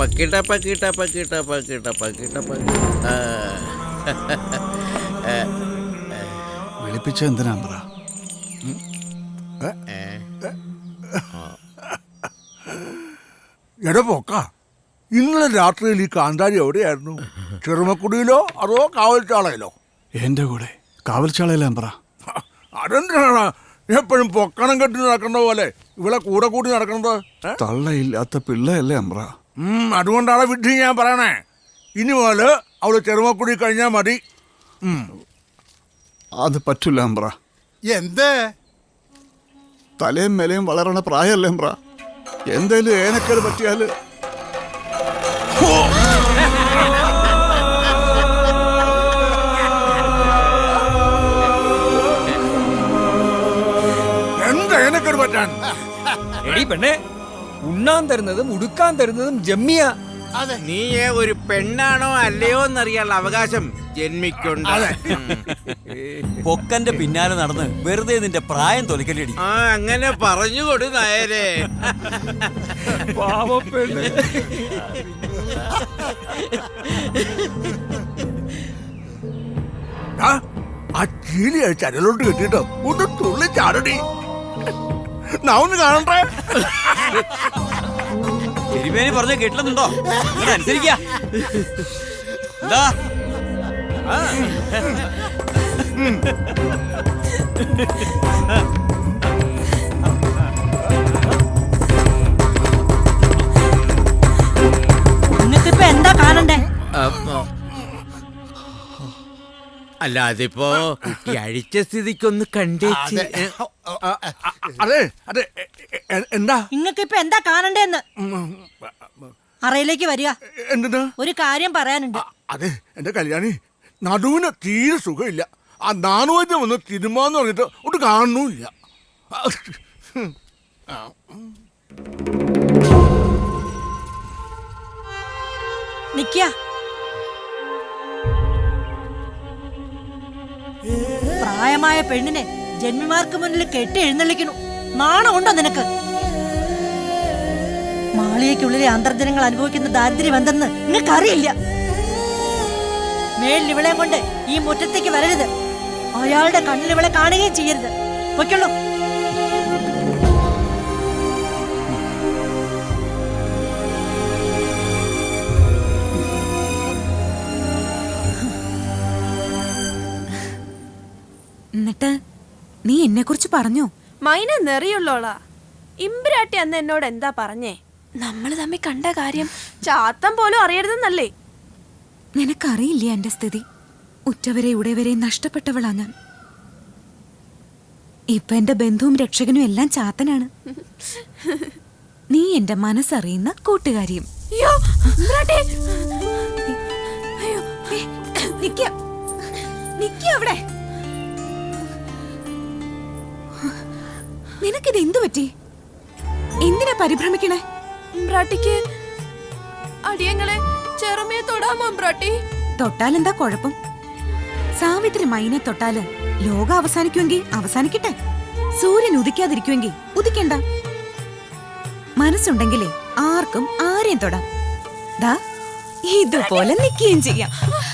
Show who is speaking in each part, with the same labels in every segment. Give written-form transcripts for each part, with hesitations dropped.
Speaker 1: പക്കിട്ട പക്കിട്ട പക്കിട്ട പക്കിട്ട പക്കിട്ട
Speaker 2: വിളിപ്പിച്ച എന്തിനാ പറ?
Speaker 3: എടാ പോക്ക, ഇന്നലെ രാത്രിയിൽ ഈ കാന്താരി എവിടെയായിരുന്നു? ചെറുമക്കുടിയിലോ അതോ കാവൽച്ചാളയിലോ?
Speaker 2: എന്റെ കൂടെ കാവൽച്ചാളയിലാൻ പറ.
Speaker 3: അതെന്തിനാണ് എപ്പോഴും പൊക്കണം കെട്ടി നടക്കുന്ന പോലെ ഇവിടെ കൂടെ കൂടി നടക്കുന്നത്?
Speaker 2: തള്ളയില്ലാത്ത പിള്ളയല്ലേ അമ്പ്ര.
Speaker 3: അതുകൊണ്ടാണ് വിഡ്ഢി ഞാൻ പറയണേ. ഇനി പോലെ അവള് ചെറുമക്കുടി കഴിഞ്ഞാൽ മതി.
Speaker 2: അത് പറ്റില്ല അമ്പ്ര.
Speaker 4: എന്ത്?
Speaker 2: തലയും മേലയും വളരണ പ്രായമല്ലേ അമ്പ്ര. എന്തേലും ഏനക്കേട് പറ്റിയാല്
Speaker 3: എന്താ ഏനക്കേട് പറ്റാൻ?
Speaker 5: എടി പെണ്ണെ, ഉണ്ണാൻ തരുന്നതും ഉടുക്കാൻ തരുന്നതും ജമ്മിയ.
Speaker 1: നീയെ ഒരു പെണ്ണാണോ അല്ലയോ എന്നറിയാനുള്ള അവകാശം ജന്മിക്കുണ്ട്.
Speaker 6: പൊക്കന്റെ പിന്നാലെ നടന്ന് വെറുതെ നിന്റെ പ്രായം തൊലിക്കലടി.
Speaker 1: ആ, അങ്ങനെ പറഞ്ഞുകൊടു നായരെ.
Speaker 5: പാവപ്പെണ്ണ്.
Speaker 3: ആ ചീലി ചരലോട്ട് കെട്ടിട്ടോ ഒന്ന് തുള്ളി ചാടടി. നാ ഒന്ന് കാണണ്ടേ?
Speaker 6: തിരുമേനി പറഞ്ഞ കേട്ടില്ലെന്നുണ്ടോ? അനുസരിക്കാ. എന്താ
Speaker 7: നിങ്ങൾക്കിപ്പോ എന്താ കാണണ്ടേ?
Speaker 1: അല്ല, അതിപ്പോ ഈ അഴിച്ച സ്ഥിതിക്കൊന്ന് കണ്ടേച്ച്.
Speaker 3: അതെ അതെ, എന്താ
Speaker 7: നിങ്ങൾക്കിപ്പോ എന്താ കാണണ്ടേന്ന്? അറയിലേക്ക് വരിക,
Speaker 3: എന്തിനാ?
Speaker 7: ഒരു കാര്യം പറയാനുണ്ട്.
Speaker 3: അതെ, എന്റെ കല്യാണി നടുവിന് തീരെ സുഖമില്ല. ആ നാണുവൈദ്യം ഒന്ന് തിരുമാന്ന് പറഞ്ഞിട്ട് ഒട്ട് കാണുന്നില്ല.
Speaker 7: നിക്ക, പ്രായമായ പെണ്ണിനെ ജന്മിമാർക്ക് മുന്നിൽ കെട്ടി എഴുന്നള്ളിക്കണു. നാണമുണ്ടോ നിനക്ക്? മാളികയ്ക്കുള്ളിലെ അന്തർജനങ്ങൾ അനുഭവിക്കുന്ന ദാരിദ്ര്യം എന്തെന്ന് നിങ്ങൾക്കറിയില്ല. മേലിൽ ഇവളെയും കൊണ്ട് ഈ മുറ്റത്തേക്ക് വരരുത്. അയാളുടെ കണ്ണിൽ ഇവളെ കാണുകയും ചെയ്യരുത്. പൊയ്ക്കുള്ളൂ.
Speaker 8: എന്നിട്ട് നീ എന്നെ കുറിച്ച് പറഞ്ഞോ?
Speaker 9: മൈന നെറിയുള്ളോളാ. ഇമ്പിരാട്ടി അന്ന് എന്നോട് എന്താ പറഞ്ഞേ? നമ്മള് തമ്മിൽ കണ്ട കാര്യം ചാത്തം പോലും അറിയരുതെന്നല്ലേ?
Speaker 8: നിനക്കറിയില്ല എന്റെ സ്ഥിതി. ഉറ്റവരെ ഉടയവരെ നഷ്ടപ്പെട്ടവളാ ഞാൻ. ഇപ്പൊ എന്റെ ബന്ധുവും രക്ഷകനും എല്ലാം ചാത്തനാണ്. നീ എന്റെ മനസ്സറിയുന്ന കൂട്ടുകാരിയും. അവിടെ നിനക്കിത് എന്തു പറ്റി? എന്തിനാ പരിഭ്രമിക്കണേ?
Speaker 9: അടിയങ്ങളെ ചെറുമയെ തൊടാമോ?
Speaker 8: തൊട്ടാലെന്താ കുഴപ്പം? സാവിത്രി മൈനെ തൊട്ടാല് ലോകം അവസാനിക്കുമെങ്കിൽ അവസാനിക്കട്ടെ. സൂര്യൻ ഉദിക്കാതിരിക്കുമെങ്കിൽ ഉദിക്കണ്ട. മനസ്സുണ്ടെങ്കിലേ ആർക്കും ആരെയും തൊടാം. ദാ ഇതുപോലെ നിൽക്കുകയും ചെയ്യാം.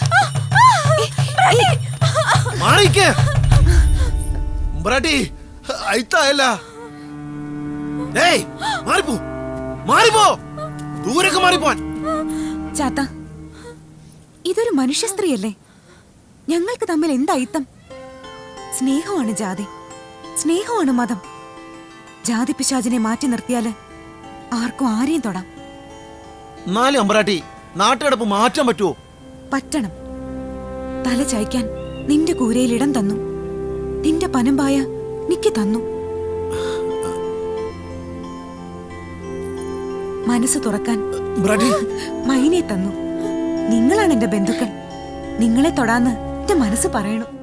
Speaker 8: ചാത്ത, ഇതൊരു മനുഷ്യ സ്ത്രീയല്ലേ? ഞങ്ങൾക്ക് തമ്മിൽ എന്തായിത്തം? സ്നേഹമാണ് ജാതി, സ്നേഹമാണ് മതം. ജാതി പിശാചിനെ മാറ്റി നിർത്തിയാല് ആർക്കും ആരെയും തൊടാം.
Speaker 6: നാട്ടുകിടപ്പ് മാറ്റാൻ പറ്റുമോ?
Speaker 8: പറ്റണം. തല ചായ്ക്കാൻ നിന്റെ കൂരയിൽ ഇടം തന്നു. നിന്റെ പനമ്പായ നിക്ക് തന്നു. മനസ്സ് തുറക്കാൻ മൈനെ തന്നു. നിങ്ങളാണ് എന്റെ ബന്ധുക്കൾ. നിങ്ങളെ തൊടാന്ന് എന്റെ മനസ്സ് പറയണു.